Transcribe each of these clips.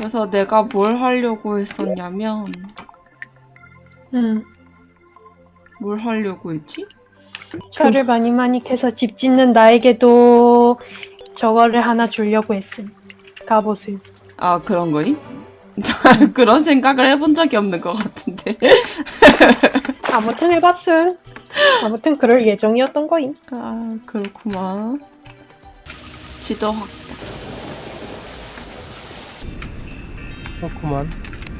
그래서 내가 뭘 하려고 했었냐면 뭘 하려고 했지? 철을 많이 캐서 집 짓는 나에게도 저거를 하나 주려고 했음. 갑옷을. 아, 그런 거니? 그런 생각을 해본 적이 없는 것 같은데. 아무튼 해봤음. 아무튼 그럴 예정이었던 거임. 아, 그렇구만. 지도 확. 그렇구만.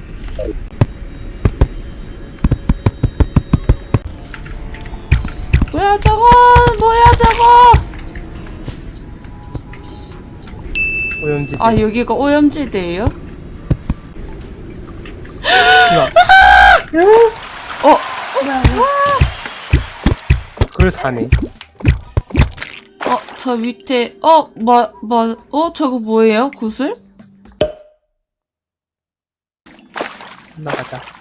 뭐야 저거! 뭐야 저거! 오염지. 아, 여기가 오염지대예요? 어? 그걸 사네. 저 밑에 저거 뭐예요? 구슬? 나가자.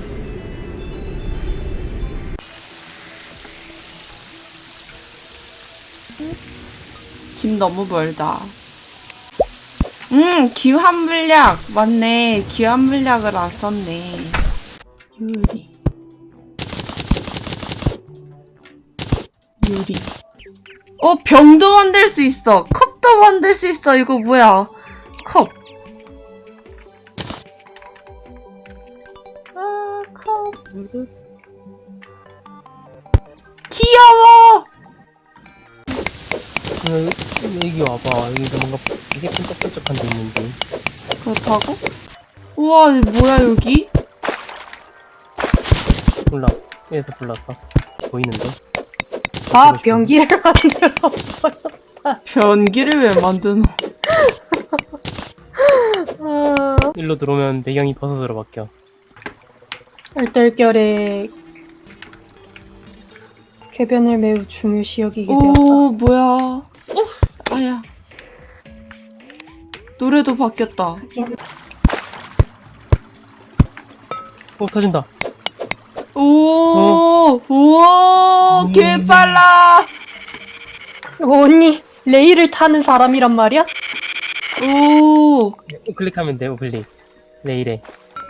집 너무 멀다. 기환물약! 맞네. 기환물약을 안 썼네. 유리. 병도 만들 수 있어! 컵도 만들 수 있어! 이거 뭐야? 컵. 아, 컵. 귀여워! 여기 와봐. 여기도 뭔가 되게 끈적끈적한 데 있는데. 그렇다고? 우와, 뭐야, 여기? 몰라. 위에서 불렀어. 보이는데? 아, 변기를 만들었어요. 변기를 왜 만드노? 일로 들어오면 배경이 버섯으로 바뀌어. 얼떨결에 궤변을 매우 중요시 여기게 되었다. 오, 뭐야. 아야. 노래도 바뀌었다. 터진다. 오, 우와, 개 빨라. 언니, 레일을 타는 사람이란 말이야? 오, 클릭하면 돼, 클릭. 레일에.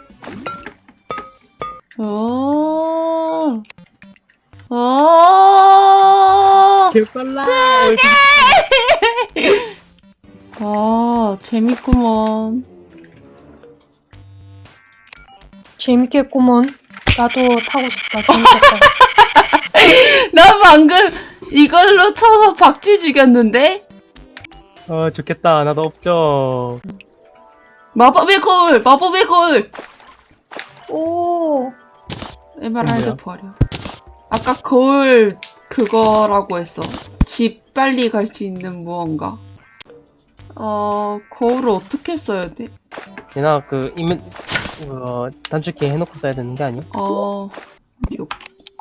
오, 오. 개빨라. 아, 재밌구먼. 재밌겠구먼. 나도 타고 싶다. 재밌겠다. 나 방금 이걸로 쳐서 박쥐 죽였는데? 좋겠다. 나도 없죠. 마법의 거울! 마법의 거울! 오, 에메랄드 뭐야? 버려. 아까 거울 그거라고 했어. 집 빨리 갈 수 있는 무언가. 거울을 어떻게 써야 돼? 얘나 단축키 해놓고 써야 되는 게 아니야? 6.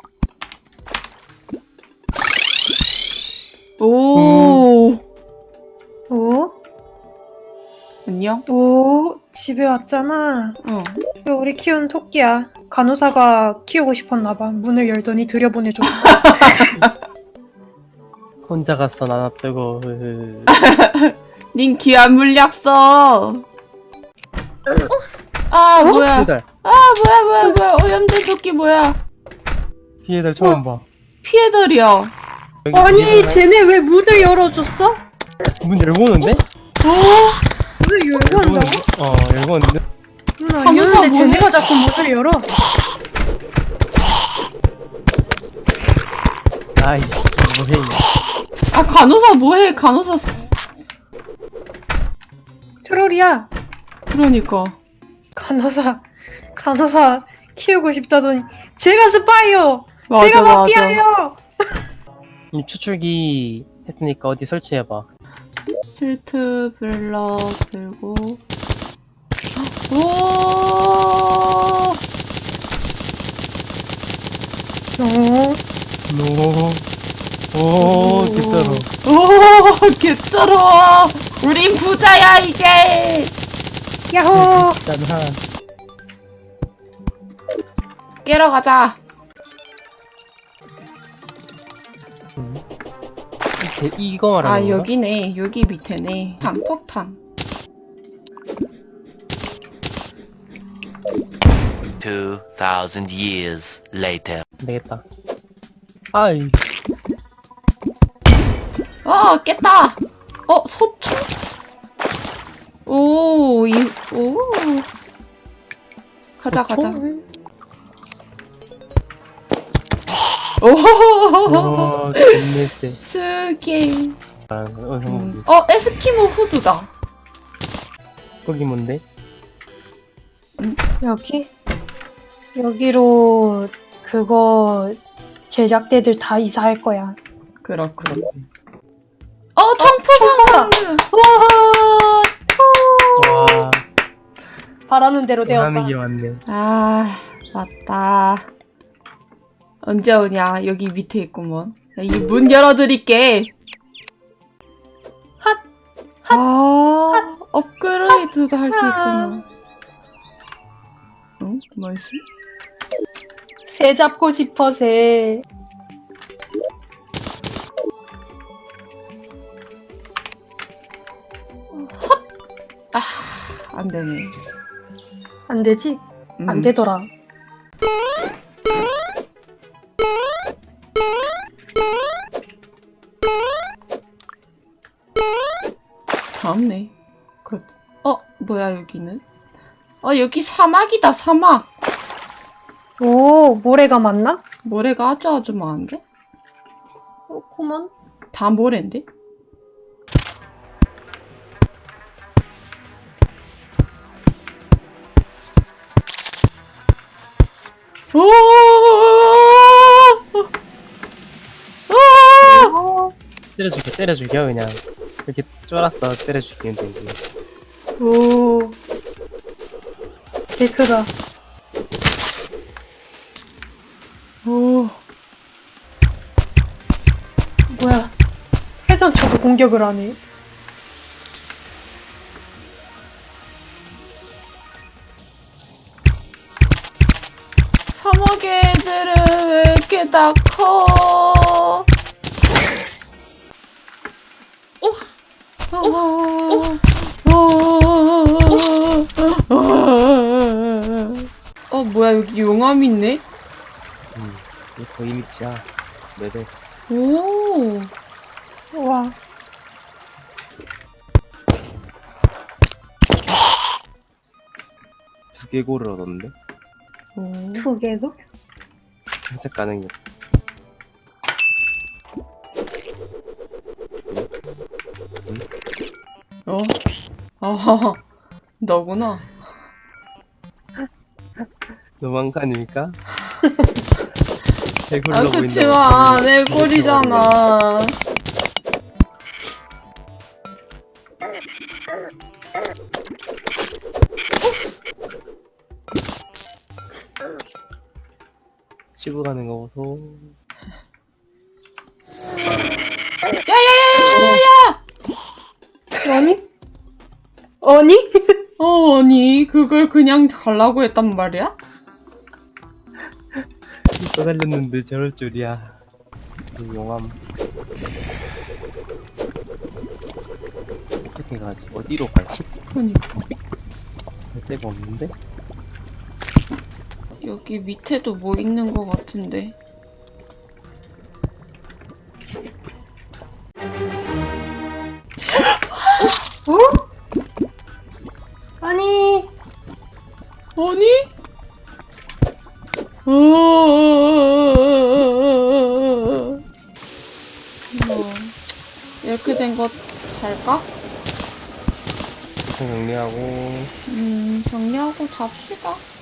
오, 오, 안녕? 오, 집에 왔잖아. 어. 이거 우리 키운 토끼야. 간호사가 키우고 싶었나봐. 문을 열더니 들여보내줬어. 혼자 갔어, 나 놔두고. 닌 귀한 물약 써. 아, 뭐야. 피해달. 뭐야. 오염된 토끼 뭐야. 피해달 처음 봐. 피해덜이야. 여기 아니, 피해달 쟤네 왜 문을 열어줬어? 문 열고 오는데? 문을 열고 한다고? 열고 오는데? 안 열는데 뭐해? 쟤네가 자꾸 문을 열어. 아이씨, 뭐해. 아, 간호사 뭐해? 간호사. 트롤이야. 그러니까. 간호사 키우고 싶다더니 제가 스파이요. 맞아, 제가 맞아. 마피아예요. 이 추출기 했으니까 어디 설치해봐. 실트 블럭 들고. 오! 오, 개쩔어. 오, 개쩔어. 우린 부자야 이제. 야호. 짠하. 깨러 가자. 이거 말하는 아, 건가? 여기네. 여기 밑에네. 폭탄. 2,000 years later. 안 되겠다. 아이, 아, 깼다! 서충? 오. 가자. 오. 와, 개쎄. 스게. 성공기. 에스키모 후드다. 거기 뭔데? 여기로 그거 제작대들 다 이사할 거야. 그렇군. 청포상! 와, 바라는 대로 하는 게 되었다. 많네. 아, 맞다. 언제 오냐? 여기 밑에 있구먼. 이 문 열어드릴게. 업그레이드도 할 수 있구나. 응? 뭐였어? 새 잡고 싶어, 새. 안 되네. 안 되지? 안 음. 되더라. 다음네. 뭐야, 여기는? 여기 사막이다, 사막. 오, 모래가 많나? 모래가 아주 많은데? 그렇구먼. 다 모래인데? 오! 때려줄게, 그냥. 이렇게 쫄았어, 때려줄게, 되지. 오. 개 크다. 오. 뭐야. 회전 쳐도 공격을 하네. 사막의 애들은 왜 이렇게 다 커? 뭐야, 여기 용암 있네? 이거 거의 밑이야. 네네. 오. 우와. 두개골을 얻었는데? 두 개도? 살짝 가는 게. 너구나. 너무한 거 아닙니까? 개굴러 보인다. 그치만 내 꼴이잖아. 치고 가는 거 보소. 야야야야야야! 아니? 아니? 아니, 그걸 그냥 가려고 했단 말이야? 떠달렸는데 저럴 줄이야. 이 용암. 어떻게 가지? 어디로 가지? 그니까. 갈 데가 없는데? 여기 밑에도 뭐 있는 것 같은데. 아니. 아니? 이렇게 된 거 잘까? 정리하고 정리하고 잡시다.